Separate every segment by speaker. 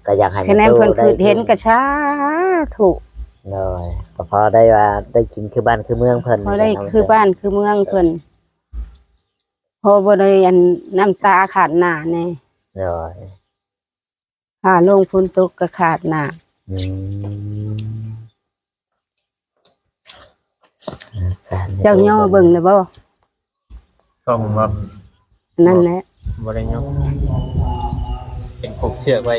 Speaker 1: ก็อยากให้
Speaker 2: คะแนนเพิ่นคือเห็นกระชาถูก
Speaker 1: เลยก็พอได้ว่าได้กินคือบ้านคือเมืองเพิ่น
Speaker 2: พอได้คือบ้านคือเมืองเพิ่นพอบ่ได้อันน้ำตาขาดหน้าแน่
Speaker 1: เลย
Speaker 2: ค่าลงทุนตกก็ขาดหน้า
Speaker 1: อืม
Speaker 2: เจ้าย่อเบิ่งเลยบ่
Speaker 3: ก็ผมว่า
Speaker 2: นั่นแหละ
Speaker 3: บ่ได้ยกเป็นผูกเชือกไว้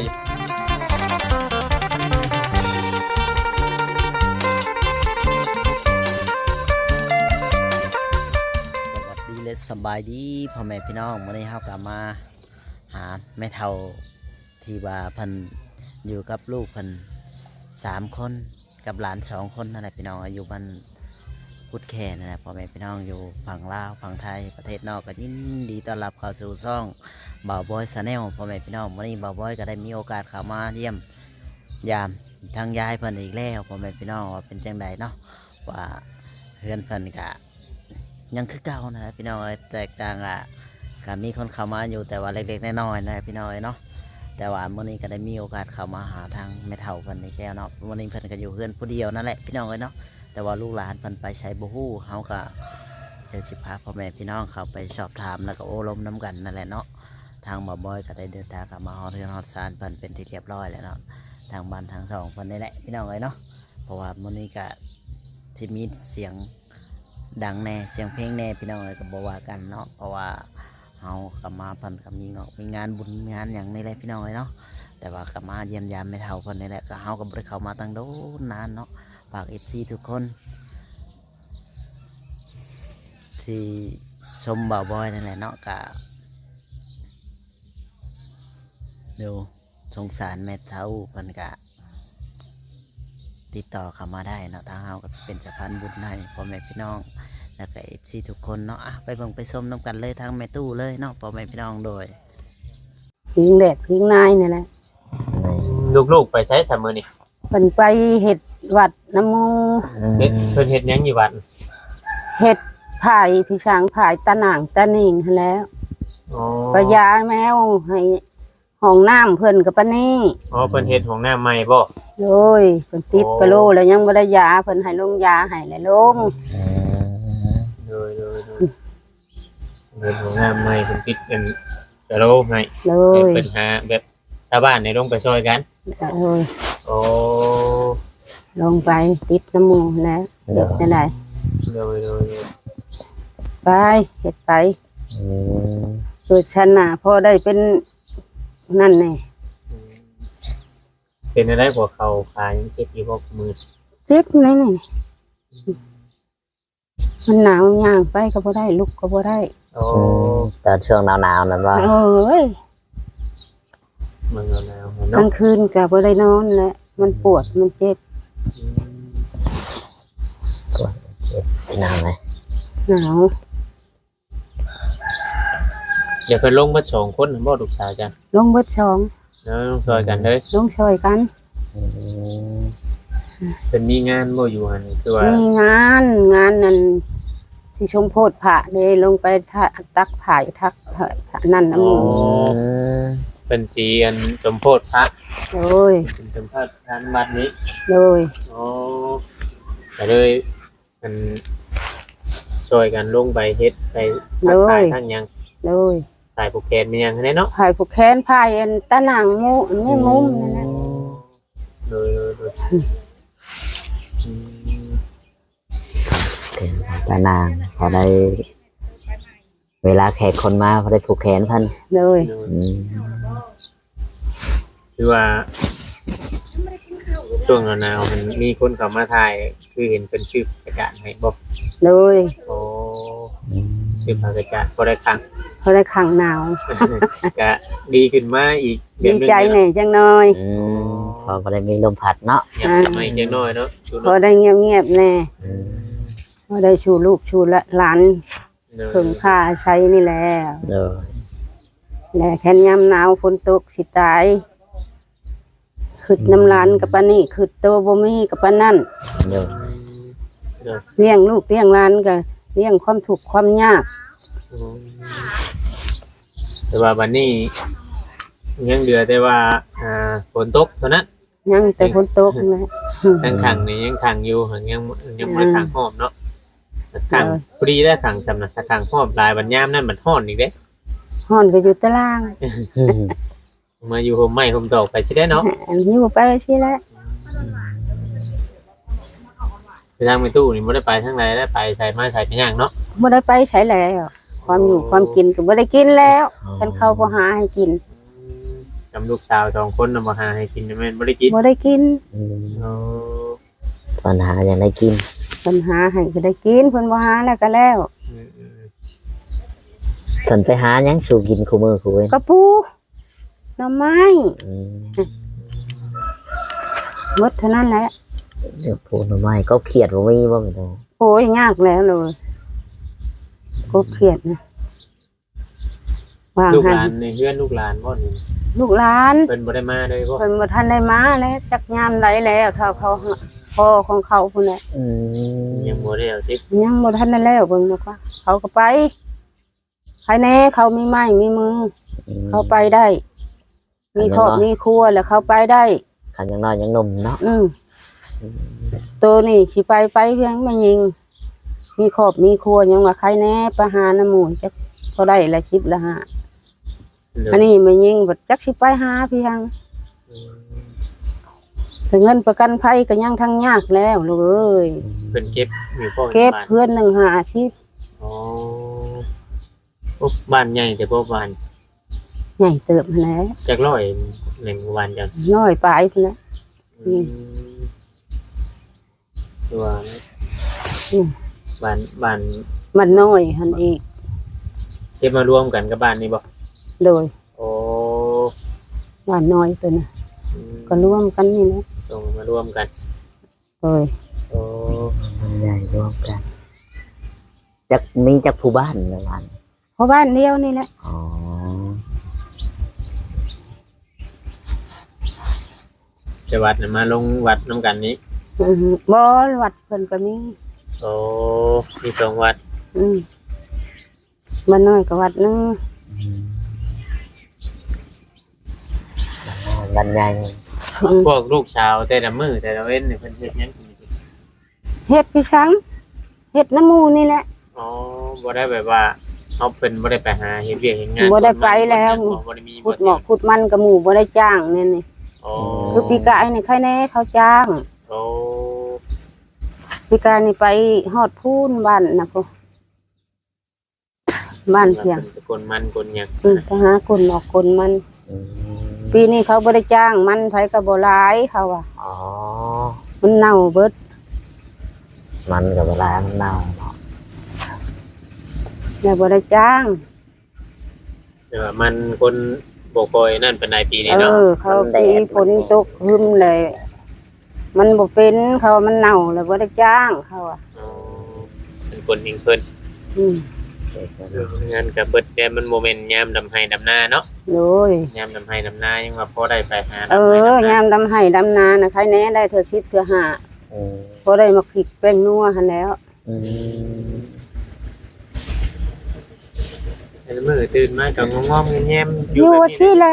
Speaker 1: สวัสดีและสบายดีพ่อแม่พี่น้องมื้อนี้เฮากลับมาหาแม่เฒ่าที่ว่าเพิ่นอยู่กับลูกเพิ่น3คนกับหลาน2คนนั่นแหละพี่น้องอยู่บ้านกุดแค่นั่นแหละพ่อแม่พี่น้องอยู่ฝั่งลาวฝั่งไทยประเทศนอกก็ยินดีต้อนรับเข้าสู่ช่องบ่าวบอยชาแนลพ่อแม่พี่น้องมื้อนี้บ่าวบอยก็ได้มีโอกาสเข้ามาเยี่ยมยามทางยายเพิ่นอีกแล้วพ่อแม่พี่น้องว่าเป็นจังไดเนาะว่าเฮือนเพิ่นก็ยังคือเก่านะพี่น้องแตกต่างการมีคนเข้ามาอยู่แต่ว่าเล็กๆน้อยๆนะพี่น้องเนาะแต่ว่ามื้อนี้ก็ได้มีโอกาสเข้ามาหาทางแม่เฒ่าเพิ่นอีกแล้วเนาะมื้อนี้เพิ่นก็อยู่เฮือนผู้เดียวนั่นแหละพี่น้องเนาะแต่ว่าลูกหลานเพิ่นไปใช้บ่ฮู้เฮาก็เดี๋ยวสิพาพ่อแม่พี่น้องเข้าไปสอบถามแล้วก็โอ้ล้มน้ำกันนั่นแหละเนาะทางบ่าวบอยก็ได้เดินทางกลับมาฮอดเรือนฮอดศาลเพิ่นเป็นที่เรียบร้อยแล้วเนาะทางบ้านทางสองเพิ่นนี่แหละพี่น้องเนาะเพราะว่ามื้อนี้ก็ที่มีเสียงดังแน่เสียงเพลงแน่พี่น้องก็บ่ว่ากันเนาะเพราะว่าเฮากลับมาเพิ่นก็มีงานบุญงานหยังนี่แหละพี่น้องเนาะแต่ว่ากลับมาเยี่ยมยามแม่เฒ่าเพิ่นนี่แหละก็เฮาก็บ่ได้เข้ามาตั้งโดนนานเนาะฝาก FC ทุกคนที่ชมบ่าวบอยนั่นแหละเนาะก็ดูสงสารแม่เฒ่าเพิ่นก็ติดต่อเข้ามาได้เนาะทางเฮาก็จะเป็นสะพานบุญให้พ่อแม่พี่น้องแล้วก็ FC ทุกคนเนาะไปเบิ่งไปชมน้ำกันเลยทางแม่ตู้เลยเนาะพ่อแม่พี่น้องโดย
Speaker 2: พิงแดดพิงนายนี่แหละ
Speaker 3: ลูกๆไปใช้สามมื้อนี่
Speaker 2: เพิ่นไปเฮ็ดวัดน้ำมู
Speaker 3: เฮ็ดหยังอยู่บ้าน
Speaker 2: เฮ็ดผายพี่ช้างผายตะหน่างตะนิ่งหั้นแหล้ว
Speaker 3: อ๋อ
Speaker 2: ประยาแมวให้ห้องน้ำเพิ่นกับปานนี้
Speaker 3: อ๋อเพิ่นเฮ็ดห้องน้ำใหม่บ่
Speaker 2: โอ้ยเพิ่นติดกะโหลแล้วยังบ่ได้ยาเพิ่นให้ลงยาให้แล้วลง
Speaker 3: โดยเฮ็ดห้องน้ำใหม่เพิ่นติดกันกะโหลให้
Speaker 2: เล
Speaker 3: ให้
Speaker 2: ย
Speaker 3: เพิ่นหาแบบชาวบ้านในลงไปช่วยกัน
Speaker 2: โอ้ย
Speaker 3: โอ้
Speaker 2: ลงไปติดน้ำมูกแล้วเฮ็ดได้ได
Speaker 3: โดย
Speaker 2: ไปเฮ็ดไปเกิดชนะพอได้เป็นนั่นแน่
Speaker 3: เป็นอะไรกว่าเขาขายังเจ็บอยู่บ่มือ
Speaker 2: เจ็บไหนนี่มันหนาวย่างไปก็บ่ได้ลุกก็บ่ได้
Speaker 3: โอ้
Speaker 1: ตอนช่วงหนาวๆนั่นว่า
Speaker 2: โอ้ย
Speaker 3: มันแล้ว
Speaker 2: กลา
Speaker 3: เนาะ
Speaker 2: งคืนก็บ่ได้นอนแหละมันปวดมันเจ็บ
Speaker 1: หนาวไหม
Speaker 2: หนาว
Speaker 3: อย่าเพิ่นลงมา2คนบ่ลูกสาวจ้ะ
Speaker 2: ลงเบิดช่อง
Speaker 3: เนาะลงช่วยกันเด้อ
Speaker 2: ลงช่วยกัน
Speaker 3: เป็นมีงานบ่อยู่หั่นคือว่า
Speaker 2: มีงานนั่นสิชมโพธิพระเลยลงไปตักผายทักพระนั่นน้ำมูก
Speaker 3: เป็นสีอันสมโพธิพระ
Speaker 2: โอ้ย
Speaker 3: เป็นสมโพธิทานวัดนี้
Speaker 2: เลย
Speaker 3: โอ้ก็เลยมันช่วยกันลงไปเฮ็ดไปทักทายทั้งหยัง
Speaker 2: เลย
Speaker 3: สายผูกแขนมีหยังให้เนาะ
Speaker 2: ผายผูกแขนผายอันตะหนังมูนี่มุมนั่นนะ
Speaker 3: โดย
Speaker 1: ตานางพอได้เวลาแขกคนมาพอได้ผูกแขนพัน
Speaker 2: เลย
Speaker 3: คือว่าช่วงหนาวมันมีคนเข้ามาถ่ายคือเห็นเป็นชื่อประกาศให้บอก
Speaker 2: เลย
Speaker 3: โอ้ชื่อประกาศบ่ได้ครั้ง
Speaker 2: เขาได้ขังหนาว
Speaker 3: ก็ดีขึ้นมาอีกแบ
Speaker 2: ดี
Speaker 3: บนึง
Speaker 2: ใจหน่อยจังน้อย
Speaker 1: พอได้มีลมพัดเนาะ
Speaker 3: อยากมาอีกจังน้อยเนาะ
Speaker 2: พอได้เงียบๆแน่พอได้ชูลูกชูหลานเพิ่งค่าใช้นี่แหละ
Speaker 1: เออ
Speaker 2: แหละแค่ยามหนาวฝนตกสิตายขึ้นน้ำร้านกับปานนี่ขึ้นโตบ่มีกับปานนั่น
Speaker 1: เออ
Speaker 2: เลี้ยงลูกเลี้ยงหลานก็เลี้ยงความทุกข์ความยาก
Speaker 3: แต่ว่าวันนี้ยังเหลือแต่ว่าฝนตกเท่านั้น
Speaker 2: ยังแต่ฝนตกนะ
Speaker 3: ยังขังนี่ยังขังอยู่ยังบ่ได้ขังหอบเนาะขังพอดีได้ขังจำนะถ้าขังหอบลายบัดยามนั่นมันฮ้อนอีกเด้
Speaker 2: ฮ้อนก็อยู่ตาราง
Speaker 3: มาอยู่ห่มไม้ห่มตอกไปสิได้เนาะ
Speaker 2: อยู่ไปสิแล้ว
Speaker 3: ไปทางไปตู้นี่บ่ได้ไปทางใดได้ไปใส่ไม้ใส่ไปย่างเนาะ
Speaker 2: บ่ได้ไปใช้แล้วความอยู่ความกินก็บ่ได้กินแล้วคันเขาบ่หาให้กิน
Speaker 3: จำลูกสาว2คนนำมาหาให้กินแม่นบ่ได้กิน
Speaker 2: บ่ได้กิน
Speaker 3: โอ้
Speaker 1: ปัญหาอย่างไรกิน
Speaker 2: เพิ่นหาให้ก็ได้กินเพิ่นบ่หาแล้วก็แล้ว
Speaker 1: เพิ่นไปหาหยังสู่กินคู่มือคู่เว้น
Speaker 2: กระปูหน่อไม้
Speaker 1: อืม
Speaker 2: หมดเท่านั้นแหละ
Speaker 1: เดี๋ยวพูดหน่อไม้ก็เครียดบ่มีบ่แม่นบ่
Speaker 2: โอ้ยยากแล้วเลยกบเขียดนะวาง
Speaker 3: ลูก
Speaker 2: หั
Speaker 3: หลาน นในเฮือนลูกหลานบ่นี่
Speaker 2: ลูกหลาน
Speaker 3: เพิ่นบ่ได้มาเลยบ่
Speaker 2: เพิ่นบ่ทันได้มาแล้วจักยามไหลแล้วเท่าเขาพ่อของเขาพุ่นแหละ
Speaker 1: อืม
Speaker 3: ยังบ่ได้เอาติ
Speaker 2: ยังบ่ทันได้แล้วเบิ่งนะคะเขาก็ไปภายในเขามีไม้มีมือ เขาไปได้ มีครอบมีครัวแล้วเขาไปได้
Speaker 1: คันยังน้อยยังหนุ่มเนาะ
Speaker 2: ตัวนี่สิไปยังไม่ยิง มีครอบมีครัวยังว่าใครแน่ประหาน้ำหมูจักเขาได้ละชิบละหาอันนี้ไม่ยิงบัดจักสิไปหาพี่ยังแต่เงินประกันภัยก็ยังทั้งยากแล้วลูกเอ้ย
Speaker 3: เพิ่นเก็บอยู่พ่อ
Speaker 2: เก็บ
Speaker 3: บ้าน
Speaker 2: เพื่อนหนึ่งหาชิบ
Speaker 3: อ๋อโอ้บ้านใหญ่แต่บ่บ้าน
Speaker 2: ใหญ่เติบมาแล้ว
Speaker 3: จักร้อยหนึ่งวันจัง
Speaker 2: น้อยปลายพุ่นแหละ อืม
Speaker 3: ตัว
Speaker 2: อืม
Speaker 3: บ้าน
Speaker 2: มันน้อยหันอีก
Speaker 3: เก็บมารวมกันกับบ้านนี่บ่
Speaker 2: โดย
Speaker 3: โอ้
Speaker 2: ว่าน้อยตัวน่ะ
Speaker 3: อืม
Speaker 2: ก็ร่วมกันนี่นะ
Speaker 3: ส่งมารวมกัน
Speaker 2: โดย
Speaker 3: โอ้
Speaker 1: มันใหญ่รวมกันจักมีจักผู้บ้านในบ้าน
Speaker 2: เพราะบ้านเดียวนี่แหละ
Speaker 1: อ๋อ
Speaker 3: จะวัดน่ะมาลงวัดน้ำกันนี้
Speaker 2: บ่วัดเพิ่นก็มี
Speaker 3: โอ้มีสองวัด
Speaker 2: บ้านน้อยก็วัดหนึง
Speaker 1: บ้านใหญ่
Speaker 3: พวกลูกชาวแต่ละมือแต่ละเว้นนี่เพิ่นเฮ็ดหยังกินอยู่
Speaker 2: เฮ็ดพี่ช้างเฮ็ดน้ำหมูนี่แหละ
Speaker 3: อ๋อบ่ได้แบบว่าเฮาเพิ่นบ่ได้ไปหาเฮ็ดเวียกเฮ็ดงาน
Speaker 2: บ่ได้ไปแล้ว
Speaker 3: บ่ได้มี
Speaker 2: ขุดหมอกขุดมันกับหมูบ่ได้จ้างนี่นี่
Speaker 3: อ๋อ
Speaker 2: คือปีกายนี่ใครแน่เขาจ้าง
Speaker 3: โอ้
Speaker 2: ปีกายนี่ไปฮอดพูนบ้านนะพ่อบ้านเพียง
Speaker 3: กลมันกลหยัง
Speaker 2: ไปหาคนออกคนมัน
Speaker 1: อืม
Speaker 2: ปีนี้เขาบ่ได้จ้างมันไผก็บ่หลายเขาว่า
Speaker 1: อ๋อ
Speaker 2: มันเน่าเบิด
Speaker 1: มันกับเวลามันเน่าเนาะ
Speaker 2: แล้วบ่ได้จ้าง
Speaker 3: แต่ว่ามันคนบ่ค่อยนั่นปานใดปีนี้เนาะ
Speaker 2: เขาปีฝนตกหึมเลย มันบ่เป็นเขาว่ามันเน่าแล้วบ่ได้จ้างเขาอ่ะ
Speaker 3: อ๋อเป็นคนเองเพิ่น
Speaker 2: อืม
Speaker 3: งานก็เบิดแต่มันบ่แม่นยามดำไห้ดำนาเนาะ
Speaker 2: โดย
Speaker 3: ยามดำไห้ดำนายังว่าพอได้ไปหา
Speaker 2: ยามดำไห้ดำนานะใครแน่ได้เธอ10เธอ5
Speaker 1: อืม
Speaker 2: พอได้มาพริกแป้งนัวหันแล้ว
Speaker 1: อืม
Speaker 3: แต่มื้อตื่นมาก็งอมๆแง้มๆ
Speaker 2: อยู่
Speaker 3: แบบ
Speaker 2: ที่
Speaker 3: นี้
Speaker 2: แล้ว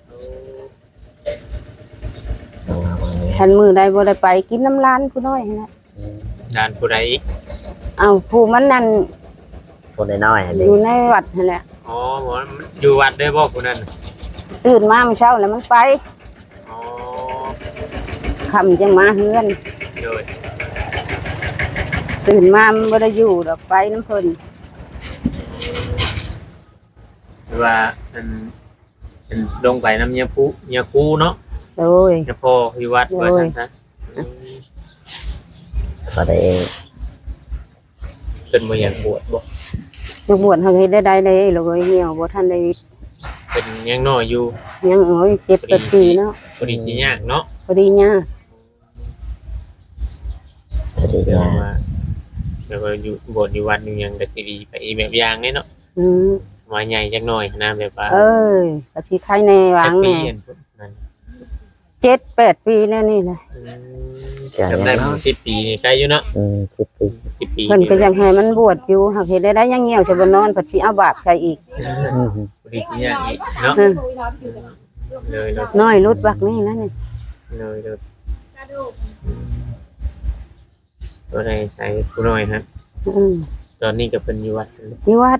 Speaker 1: เอามาวันนี้
Speaker 2: ฉันมือใดบ่ได้ไปกินน้ำร้านผู้น้อยหั่นแหละ
Speaker 1: อืม
Speaker 3: ด้านผู้ใดอีก
Speaker 2: เอาผู้มันนั่น
Speaker 1: คนน้อยๆอัน
Speaker 2: อ
Speaker 1: นี้
Speaker 2: ยู่ในวัดนั่นแหละ
Speaker 3: อ๋อหมอมันอยู่วัดได้บ่ผู้นั้น
Speaker 2: ตื่นมาเมื่อเช้าแล้วมันไป
Speaker 3: อ๋อ
Speaker 2: ค่ำจังมาเฮือน
Speaker 3: โดย
Speaker 2: ตื่นมามันบ่ได้อยู่ดอกไปน้ำเพิ่น
Speaker 3: หรือว่าอันลงไปน้ำเมียคูเนาะ
Speaker 2: โดย
Speaker 3: เมียพ่ออยู่วัดว่าซั่นซะ
Speaker 1: ก็ได้
Speaker 3: เพิ่นบ่อยากบวชบ่
Speaker 2: จะบวชเฮาเฮ็ดได้เลยลูกเอ้ยเหี่ยวบ่ทันได้
Speaker 3: เพิ่นยังน้อยอยู่
Speaker 2: ยังโอ้ย7 ปีเนาะ
Speaker 3: พอดีสิยากเนาะ
Speaker 2: พอดีเนี่ย
Speaker 1: สวัสดี
Speaker 3: เดี๋ยว
Speaker 1: จ้า
Speaker 3: ว่าเดี๋ยวว่าอยู่บวชอยู่วัดอยู่หยังก็สิดีไปอีกแบบอย่างเด้เนาะ
Speaker 2: อืม
Speaker 3: ว่าใหญ่จักหน่อยนะแบบว่า
Speaker 2: เอ้ยก็สิใครแน่วา
Speaker 3: จั
Speaker 2: ง
Speaker 3: กปี
Speaker 2: แน่
Speaker 3: อันนั้น
Speaker 2: 7-8 ปีแน่นี่แหละ
Speaker 3: จำได้บ่10 ปีนี่ใกล้อยู่เนาะ
Speaker 1: อืม10 ปี
Speaker 3: 10 ปี
Speaker 2: เพิ่นก็ยังให้มันบวชอยู่หากเฮ็ดได้ยังเหี่ยวจะบ่นอนเพิ่นสิเอาบาปใส่อีก
Speaker 1: อืม
Speaker 3: พอดีสิยากอีกเนาะ
Speaker 2: อืม
Speaker 3: เลยเลย
Speaker 2: น้อยรุดบักนี่นะนี่
Speaker 3: เลยเลยตัวไหนใส่ผู้น้อยฮะ
Speaker 2: อืม
Speaker 3: ตอนนี้ก็เป็นอยู่วัดเลย
Speaker 2: ที่วัด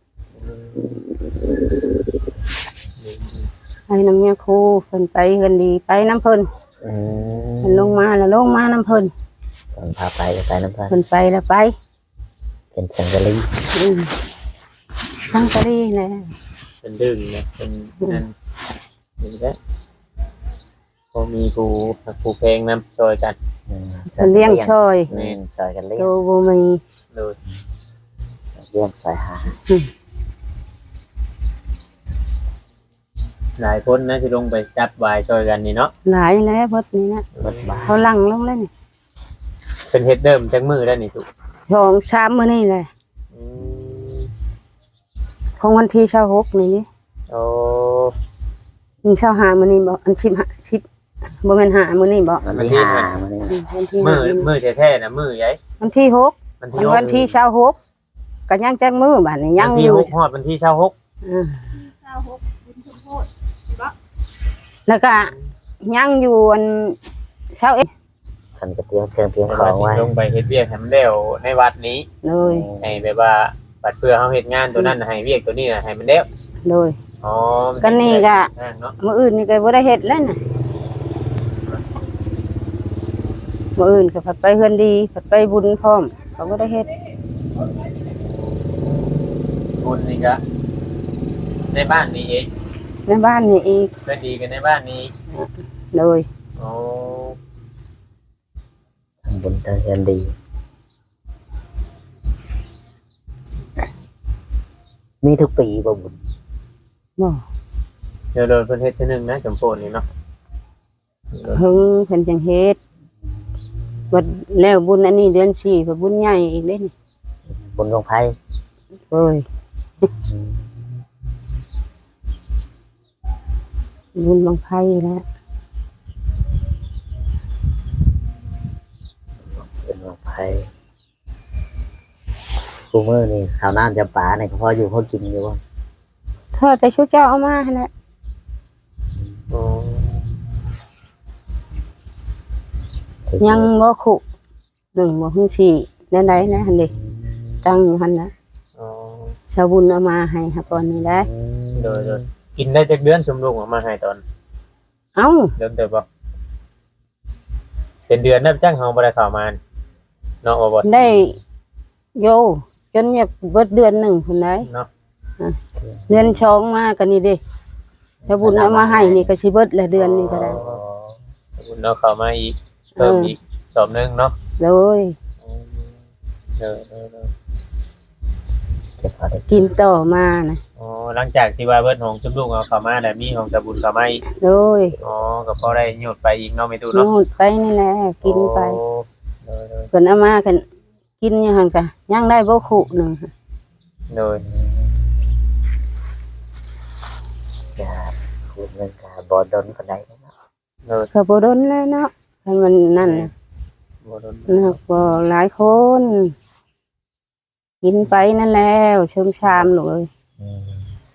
Speaker 2: ไปน้ำเมียครูเพิ่นไปเพิ่นดีไปน้ำเพิ่น
Speaker 1: อื
Speaker 2: เพิ่นลงมาแล้วลงมาน้ำเพิ่น
Speaker 1: ตอนพาไปก็ไปน้ำพัน
Speaker 2: เพิ่นไปแล้วไป
Speaker 1: เป็นสังกะลี
Speaker 2: อืมทั้งกะดีแหละ
Speaker 3: เป็นดึงนะเป็นนั่นนี่แหละพอมีผู้เพลงนำซอยกัน
Speaker 1: อืม
Speaker 2: เพิ่นเลี้ยงซอย
Speaker 1: ซอยกันเลี้ย
Speaker 2: โต
Speaker 1: ง
Speaker 2: บ่มี
Speaker 3: โดย
Speaker 1: เลี้ยงซอยหา
Speaker 3: หลายคนนะที่ลงไปจับวายซอยกันนี่เนาะ
Speaker 2: หลายแล้วเบิดนี่นะ
Speaker 1: เบิดบ้าน
Speaker 2: เขาลังลงแล้วนี่
Speaker 3: เป็นเฮ็ดเดิมจังมือแล้วนี่ทุก
Speaker 2: 2 3มื้อนี่แหละ
Speaker 3: อืม
Speaker 2: ของวันที่26นี่นี่
Speaker 3: โอ้
Speaker 2: นี่25มื้อนี้บ่อัน10บ่แม่น5มื้อนี้บ่
Speaker 1: วันที่ห้ามันนี่
Speaker 2: วันที่
Speaker 3: มือแท้ๆนะมือใหญ่
Speaker 2: วันที่6
Speaker 3: วันที่
Speaker 2: วันที่26ก็ยังจักมื้อบัดนี้ยัง
Speaker 3: วัน
Speaker 2: อ
Speaker 3: ที่
Speaker 2: ยู่
Speaker 3: 6ฮอดวันที่26
Speaker 2: อ่าแล้วก็ยังอยู่อัน21
Speaker 1: คันก็เตรียมเครื่องเตรียม
Speaker 3: ใน
Speaker 1: ข
Speaker 3: วั
Speaker 1: อ
Speaker 3: ด
Speaker 1: ง
Speaker 3: นี้
Speaker 1: ไว้
Speaker 3: ลงไปเฮ็ดเวียกให้มันแล้วในวัดนี้
Speaker 2: เลย
Speaker 3: ให้แบบว่าบัดเพื่อเฮาเฮ็ดงานตัวนั้นน่ะให้เวียกตัวนี้น่ะให้มันแล้ว
Speaker 2: เลย
Speaker 3: อ๋อ
Speaker 2: ก็นี่ก็
Speaker 3: เนาะ
Speaker 2: มื้ออื่นนี่ก็บ่ได้เฮ็ดแล้วน่ะมื้ออื่นก็ผัดไปเฮือนดีผัดไปบุญพร้อมเขาบ่ได้เฮ็ด
Speaker 3: บุญนี่ก็ในบ้านนี้เอง
Speaker 2: ในบ้านนี่อีก
Speaker 3: ก็ดีกันในบ้านนี้
Speaker 2: เลย
Speaker 3: อ๋อ
Speaker 1: ทำบุญทำเงินดี มีทุกปีบ่บุญ
Speaker 2: บ่
Speaker 3: เดี๋ยวโดนเพิ่นเฮ็ดเทื่อนึงนะจำโปนนี่เนาะ
Speaker 2: เพิ่งเพิ่นจังเฮ็ดบัดแล้วบุญอันนี้เดือน4ก็บุญใหญ่อีกเด้นี่
Speaker 1: บุญของไพ่
Speaker 2: เอ้ยบุญบังไผแล้ว
Speaker 1: บุญของไพ่กูเมื่อนี่ข้าวน้ำจะป่าเนี่ยก็พออยู่พอกินอยู่บ่
Speaker 2: เธอแต่ชุดเจ้าเอามาหั่นแหละ
Speaker 3: อ๋อ
Speaker 2: ยังบ่คุหนึ่งบ่ฮึ่งสี่แนวใดนะหั่นดิตั้งอยู่หั่นนะ
Speaker 3: อ๋อ
Speaker 2: ชาวบุญเอามาให้ครับตอนนี้ได้
Speaker 3: โดยกินได้จักเดือนสมลูกออกมาให้ตอน
Speaker 2: เอ้า
Speaker 3: เดิมเติบบ่เป็นเดือนนับจ้างเฮาบ่ได้เข้ามาเนาะบ่
Speaker 2: ได้โยจนอยากเบิดเดือนหนึ่งพุ่นได้
Speaker 3: เนาะ
Speaker 2: เดือนชองมากันนี่เด้ชาวบุญเอามาให้นี่ก็สิเบิดละเดือนนี้ก็ได้
Speaker 3: อ๋อบุญเนาะเข้ามาอีกเพิ่มอีกสอบหนึงเนาะ
Speaker 2: เลย
Speaker 3: เออ
Speaker 1: เก็บพอได้
Speaker 2: กินต่อมานะ
Speaker 3: อ๋อหลังจากที่ว่าเบิดของจุ๊บลูกเอาเข้ามาแล้วมีของสบุญเข้ามาอีก
Speaker 2: เลย
Speaker 3: อ๋อก็พอได้หยุดไปอีกเนาะไม่ตู้เนาะ
Speaker 2: นู่นไปนี่แหละกินไป
Speaker 3: โอ้โดย
Speaker 2: เพิ่นเอามากันกินอยู่หั่นก็ยังได้บ่คุหนึง
Speaker 3: โดย
Speaker 1: จะคุณเงินกาบอดนก็ได้เนาะ
Speaker 3: โดย
Speaker 2: ก็บ่ดนแล้วเนาะคันมันนั่นน่ะ
Speaker 3: บ่โดน
Speaker 2: นะก็หลายคนกินไปนั่นแล้วเชิมชามลูกเอ้ย
Speaker 1: อืม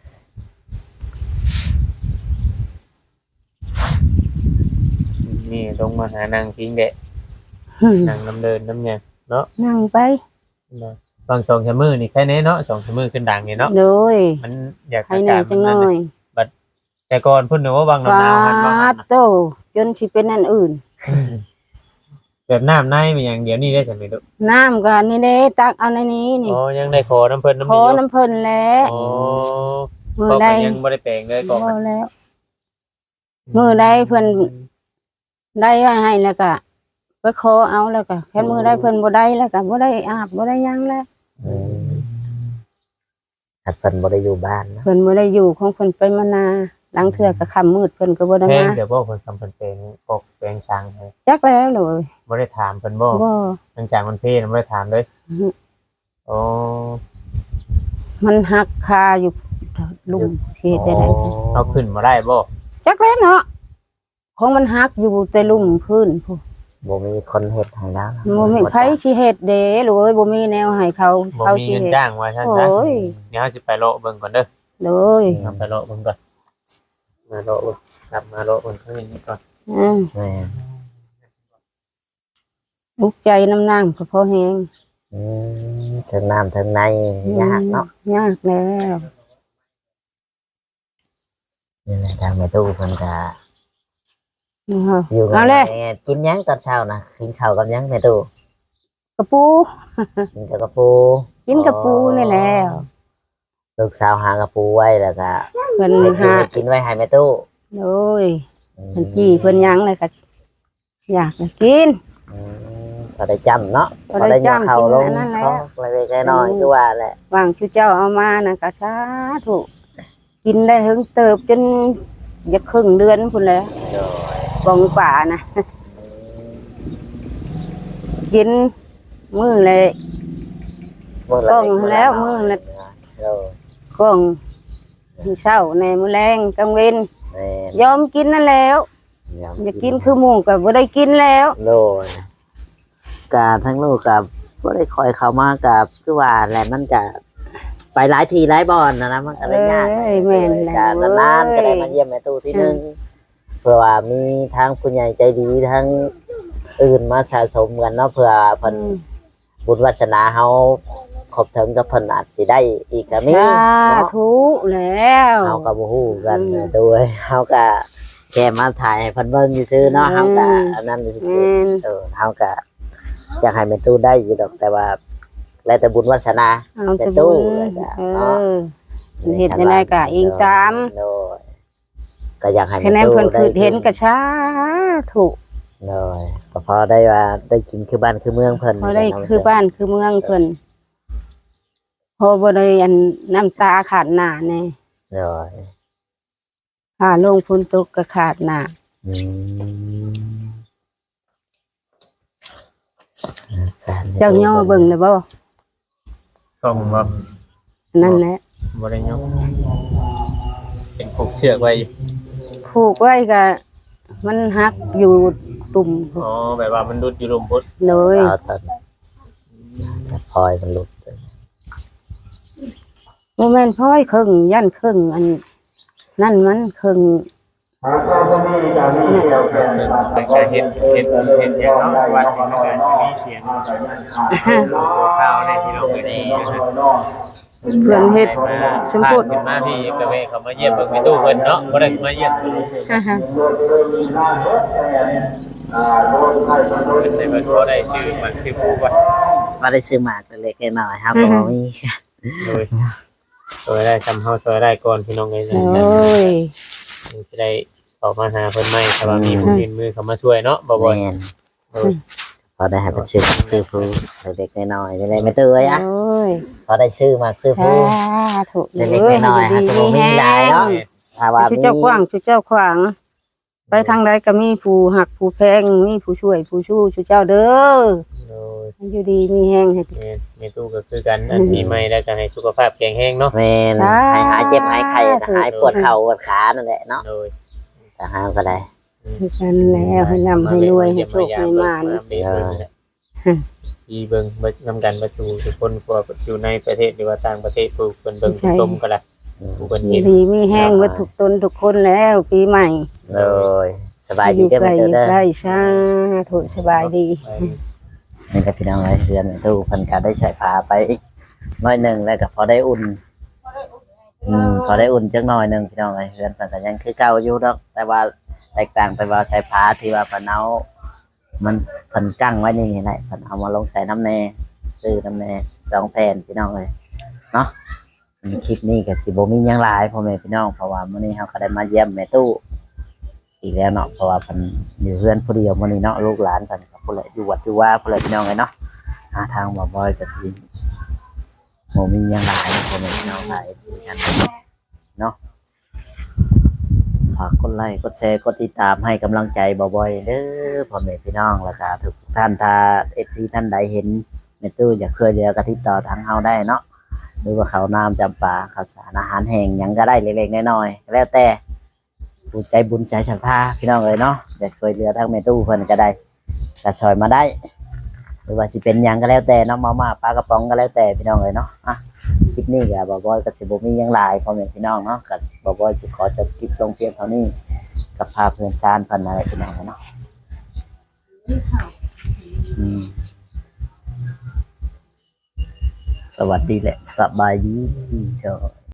Speaker 3: นี่ลงมาหานางพิงแดะนางน้ำเดินน้ำหยังเนาะ
Speaker 2: นั่งไป
Speaker 3: บางสองชะมือนี่แค่นี้เนาะสองชะมือขึ้นดังนี่เนาะ
Speaker 2: เลย
Speaker 3: มันอยาก
Speaker 2: ใครเหนื่อยจังหน่อย
Speaker 3: แต่ก่อนเพิ่นนึกว่าบาง
Speaker 2: ฟา
Speaker 3: น้ำมันบางนั้น
Speaker 2: ดโตจนสิเป็นอันอื่น
Speaker 3: แบบน้ำในมันอย่างเดียวนี่ได้จังได๋ลูก
Speaker 2: น้ำก็นี่เด้ตักเอาในนี้นี่
Speaker 3: อ๋อยังได้ขอน้ำเพิ่นน้ำ
Speaker 2: ขอ
Speaker 3: มีอยู่
Speaker 2: น้ำเพิ่นแล้ว
Speaker 3: อ๋อ
Speaker 2: มือ
Speaker 3: ก็
Speaker 2: ใด
Speaker 3: ยังบ่ได้แปลงเลยก็
Speaker 2: บ่แล้ว มือใดเพิ่นได้ไว้ให้แล้วก็ไปขอเอาแล้วก็แค่มือใดเพิ่นบ่ได้แล้วก็บ่ได้อาบบ่ได้หยังแล้ว
Speaker 1: อืมถ้าเพิ่นบ่ได้อยู่บ้านเนาะ
Speaker 2: เพิ่นบ่ได้อยู่ของเพิ่นไปมานาหลังเทื่อก็ค่ำมืดเพิ่นก็บ่ได้
Speaker 3: แพง
Speaker 2: มา
Speaker 3: เดี๋ยวบ่เพิ่นทำเพิ่นแปลงปกแปลงช้างให้
Speaker 2: จักแล้วเลย
Speaker 3: บ่ได้ถามเพิ่นบ่
Speaker 2: บ่
Speaker 3: หลังจากมันเพลบ่ได้ถามเลย
Speaker 2: อือฮึ
Speaker 3: อ๋อ
Speaker 2: มันหักคาอยู่ลุมสิเฮ็ดได้ได
Speaker 3: เอาขึ้นมาได้บ่
Speaker 2: จักแล้วเนาะของมันหักอยู่แต่ลุ่มพื้นพู้
Speaker 1: บ่มีคนเฮ็ดให้แล้ว
Speaker 2: บ่มีไผสิเฮ็ดเด้ลูกเอ้ยบ่มีแนวให้เขา
Speaker 3: บ่
Speaker 2: เขา
Speaker 3: มี
Speaker 2: สิ
Speaker 3: เงิน
Speaker 2: เฮ็ด
Speaker 3: จ้างว่าซั่น
Speaker 2: โอ้
Speaker 3: ซะ
Speaker 2: ย
Speaker 3: เดี๋ยวเฮาสิไปเลาะเบิ่งก่อนเด้อ
Speaker 2: เลย
Speaker 3: เอาไปเลาะเบิ่งก่อนมาโลดกลับมาโลดข้างนี้ก่อน
Speaker 1: แม่
Speaker 2: อุกใจน้ำนางก็พอแห้ง
Speaker 1: ถึงน้ำถึงในยากเนาะ
Speaker 2: ยากแล้ว
Speaker 1: นี่แหละทางแม่ตู้เพิ่นก็
Speaker 2: นะคะ
Speaker 1: อยู่กั
Speaker 2: เอา
Speaker 1: บ
Speaker 2: เลย
Speaker 1: แม่กินหยังตอนเช้านะกินข้าวกับหยังแม่ตู้
Speaker 2: กระปู
Speaker 1: กินกับกระปู
Speaker 2: กินกระปูนี่แหล้ว
Speaker 1: ลูกสาวหากระปูไว้แล้วก็
Speaker 2: เพิ่น
Speaker 1: เฮ็ด
Speaker 2: หา
Speaker 1: กินไว้ให้แม่ตู้
Speaker 2: โอ้ยเพิ่นจี้เพิ่นหยังเลยก็อยากจะกิน
Speaker 1: พอได้จำเนาะ
Speaker 2: พอได้จำ
Speaker 1: ย่อเข่าลง
Speaker 2: กินอันนั้นแหละ
Speaker 1: เขาเล็กๆน้อยๆคือว่าแหละ
Speaker 2: วางชูเจ้าเอามานะก็สาธุกินได้ถึงเติบจนจะครึ่งเดือนพุ่นแล้วกองป่านะกินมื้อเลย
Speaker 1: มื้ละ
Speaker 2: กล้อง
Speaker 1: เล็ก
Speaker 2: แล้วมื้อละ
Speaker 1: โอ้
Speaker 2: กองมื้อเช้าในมื้อแรงกลางเว้น
Speaker 1: แม่
Speaker 2: ยอมกินนั่นแล้วอย่ากินคือหมูก็บ่ได้กินแล้ว
Speaker 1: โลยกาทั้งลูกกับบ่ได้คอยเข้ามากับคือว่าแหละมันจะไปหลายทีหลายบอนนะมันก็เลยยาก
Speaker 2: เอ้ยแม่นแล้ว
Speaker 1: การนานๆก็ได้มาเยี่ยมแม่ตู้ที่นึงเพื่อว่ามีทั้งผู้ใหญ่ใจดีทั้งอื่นมาสะสมกันเนาะเพื่อเพิ่นบุญวาสนาเฮาครบถึงกับเพิ่นอาจสิได้อีกก็มี
Speaker 2: สา
Speaker 1: เนาะ
Speaker 2: ธุแล้ว
Speaker 1: เฮาก็บ่ฮู้กันด้วยเฮาก็แค่มาถ่ายให้เพิ่นเบิ่งซื่อๆเนาะเฮาก็อันนั้นซื่อ
Speaker 2: แม่น
Speaker 1: ๆเฮาก็อยากให้แม่ตู้ได้อยู่ดอกแต่ว่าแล้วแต่บุญวาสนา
Speaker 2: เอา
Speaker 1: แต่
Speaker 2: แต่
Speaker 1: ตู้
Speaker 2: บุญ
Speaker 1: แล้วก็
Speaker 2: เอ
Speaker 1: เนาะ
Speaker 2: อเฮ็ดได้ไดก็อิงตาม
Speaker 1: โดยก็อยากให้
Speaker 2: คะแนน
Speaker 1: แม่
Speaker 2: เพิ่
Speaker 1: ตู้
Speaker 2: นคือเห็นก็สาธุ
Speaker 1: โดยก็พอได้ว่าได้กินคือบ้านคือเมืองเพิ่น
Speaker 2: พอได้คือบ้านคือเมืองเพิ่นพอบ่ได้อันน้ำตาขาดหน้าแน่
Speaker 1: โดย
Speaker 2: ค่าลงทุนตกก็ขาดหน้า
Speaker 1: อืมสาร
Speaker 2: เจ้าย่อเบิ่งได้บ่
Speaker 3: ต้องว่า
Speaker 2: นั่นแหละ
Speaker 3: บริยงเป็นผูกเชือกไว้
Speaker 2: ผูกไว้ก็มันหักอยู่ตุ่ม
Speaker 3: อ๋อแบบว่ามันรุดอยู่ลมพุทธ
Speaker 2: เลย
Speaker 1: เอาตอนพลอยมันหลุดไป
Speaker 2: บ่แม่นพ้อยครึ่งยันครึ่งอันนั่นมันครึ่ง
Speaker 3: เป็นการเห็นอย่างเนาะวัดอย่างนั้นก็มีเสียงข้าวในที่เราเคยได้
Speaker 2: เพื่อนเฮ็ดสมพูด
Speaker 3: เป็นมาพี่กระเวเขามาเยี่ยมเบิ่งในตู้เพิ่นเนาะบ่ได้มาเยี่ยม เป็นในเพิ่นบ่ได้ชื่อมันคือผู้ว่า
Speaker 1: ว่าได้ซื้อหมากเล็กๆน้อยๆครับก็บ่มี
Speaker 3: โดยช่วยได้ทำเฮาช่วยได้ก่อนพี่น้องเอ้ย
Speaker 2: โอ้ย
Speaker 3: จะได้ออกมาหาเพิ่นใหม่ถ้าว่ามีผู้ยื่นมือเข้ามาช่วยเนาะบ่บ่อย
Speaker 1: แม่นพอได้ให้เป็นซื้อผู้เล็กๆน้อยๆได้ไม่ตื้ออ่ะ
Speaker 2: โอ้ย
Speaker 1: พอได้ซื้อหมากซื้อ
Speaker 2: สา
Speaker 1: ผู้
Speaker 2: ธุ
Speaker 1: เล็กๆน้อยๆครับก็บ่มีหลายเนาะถ้าว่า
Speaker 2: ชุ
Speaker 1: มี
Speaker 2: เจ้ากว้างชุเจ้าขวาง ไปทางใดก็มีผู้หักผู้แพงมีผู้ช่วยผู้ชู้ชุเจ้าเด้อ
Speaker 3: โดย
Speaker 2: อยู่ดีมีแฮงให้
Speaker 3: แม่ตู้ก็คือกันอันมีใหม่แล้วก็ให้สุขภาพแข็งแรงเนาะ
Speaker 1: แม่นให้หายเจ็บหายไข้หายปวดเข่าปวดขานั่นแหละเนาะ
Speaker 3: โดย
Speaker 1: แต่หาก็ได้
Speaker 2: คือกันแล้วให้ร่ำให้รวยให้โชคให้มาน
Speaker 3: ที่เบิ่งเบิ่งนำกันประชุมทุกคนกว่าอยู่ในประเทศหรือว่าต่างประเทศผู้เพิ่นเบิ่งผู้ชมก็ได้ผู้เพิ่น
Speaker 2: อยู่
Speaker 3: เห็น
Speaker 2: ดีมีแฮงวัตถุกตนทุกคนแล้วปีใหม่
Speaker 1: เลยสบาย
Speaker 2: อ
Speaker 1: ดี
Speaker 2: ยู่
Speaker 1: เด้อ
Speaker 2: ไกล
Speaker 1: แม่
Speaker 2: อยู่
Speaker 1: เด้อ
Speaker 2: ใกล้สาธุสบายดี
Speaker 1: นี่ก็พี่น้องไอ้เพื่อนตู้เพันก็ได้ใส่ผ้าไปน้อยหนึ่งแล้วก็พอได้อุ่นพอได้อุ่นจักหน่อยหนึ่งพี่น้องไอ้เพื่อนเพิ่นก็ยังคือเก่าอยู่ดอกแต่ว่าแตกต่างไปว่าใส่ผ้าที่ว่าเพิ่นเอามันเพิ่นกั้งไว้นี่แหละเพิ่นเอามาลงใส่น้ำแน่ซื้อน้ำแน่2 แผ่นพี่น้องเลยเนาะคลิปนี้ก็สิบ่มีหยังหลายพ่อแม่พี่น้องเพราะว่ามื้อนี้เฮาก็ได้มาเยี่ยมแม่ตู้อีกแล้วเนาะเพราะว่าเพิ่นอยู่เพื่อนผู้เดียวมื้อนี้เนาะลูกหลานเพิ่นก็ผู้ใดอยู่วัดอยู่ว่าผู้ใดพี่น้องเลยเนาะหาทางบ่บ่อยก็สิบ่มีหยังหลายพ่อแม่พี่น้องหลายกันเนาะฝากกดไลค์กดแชร์กดติดตามให้กำลังใจบ่อยๆเด้อพ่อแม่พี่น้องแล้วก็ทุกท่านถ้า FC ท่านใดเห็นแม่ตู้อยากช่วยเหลือก็ติดต่อทางเฮาได้เนาะหรือว่าข้าวน้ำจำปาข้าวสารอาหารแห้งหยังก็ได้เล็กๆน้อยๆแล้วแต่ผู้ใจบุญใจศรัทธาพี่น้องเอ้ยเนาะอยากช่วยเหลือทางแม่ตู้เพิ่นก็ได้ก็ช่วยมาได้หรือว่าสิเป็นหยังก็แล้วแต่เนาะมาม่าปลากระป๋องก็แล้วแต่พี่น้องเอ้ยเนาะอ่ะลิปนี้ก็บ่บอยก็สิบ่มีหยังหลายพ่อแม่พี่น้องเนาะก็บ่บอยสิขอจบคลิปลงเพียงเท่านี้กับพาเพื่อนซานเพิ่นอะไรพี่น้องเนาะสวัสดีและสบายดีเจ้า